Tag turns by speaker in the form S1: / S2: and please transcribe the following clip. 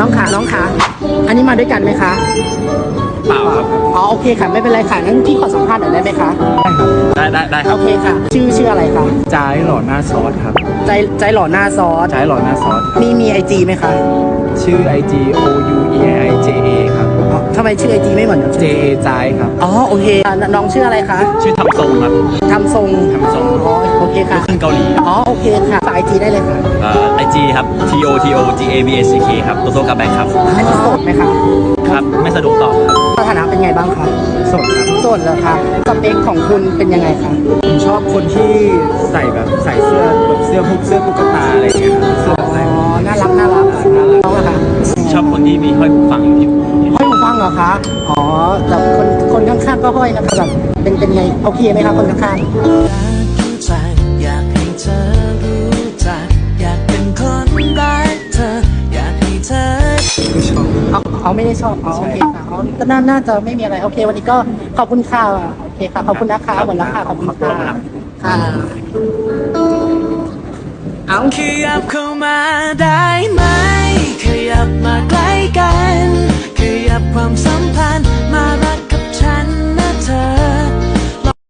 S1: น้องขาอันนี้มาด้วยกันไหมคะ
S2: เปล่าครับ
S1: อ๋อโอเคค่ะไม่เป็นไรค่ะงั้นพี่ขอสัมภาษณ์หน่อยได้ไหมคะ
S2: ได้ครั
S1: โอบเคค่ะชื่ออะไรคะ
S3: จ้ายหล่อหน้าซอสครับ
S1: ใจหล่อหน้าซอส
S3: จ้ายหล่อหน้าซอสครับ
S1: มีไอจีไหมคะ
S3: ชื่อ IG OUEIJA ครับ
S1: อ๋อทำไมชื่อไอจีไม่เหมือนกัน
S3: JA จ้ายครับ
S1: อ๋อโอเคน้องชื่ออะไรคะ
S2: ชื่อทำทรงครับ
S1: ทำทรง อ๋อโอเคค่ะ
S2: ลูกครึ่งเกาหลี
S1: อ๋อโอเคค่ะฝากไอจีได้เลยค่ะ
S2: IG ครับ TOTOGABACK ครับโตโต้กับแบ็คครับ
S1: อันนี้โสดไหมคะ
S2: ครับไม่สะดวกตอบครับ
S1: สถานะเป็นไงบ้างคะ
S3: สดครับ
S1: โสดเหรอคะสเปคของคุณเป็นยังไงคะ
S3: ผมชอบคนที่ใส่เสื้อแบบเสื้อพวกเสื้อตุ๊กตาอะไรอย่างเงี้ยครับเสื้ออะไร
S1: อ๋อน่ารักน้องอะค่ะ
S2: ชอบคนที่มีห้อยหูฟังอยู่ที่หู
S1: ห้อยหูฟังเหรอคะอ๋อแบบคนข้างๆก็ห้อยนะคะแบบเป็นไงโอเคไหมคะคนข้างๆ
S4: อยากให้เธอรู้จักอยากเป็นคนรักเธออยากให้เธอ
S3: ไม่ชอบ
S1: เขาไม่ได้ชอบโอเคค่ะเขาก็น่าจะไม่มีอะไรโอเค วันนี้ก็ขอบคุณค่ะโอเคค่ะขอบคุณนะคะหมดแล้วค่ะขอบคุณค่ะค่ะเอา
S4: ขยับเข้ามาได้ไหมขยับมาใกล้กัน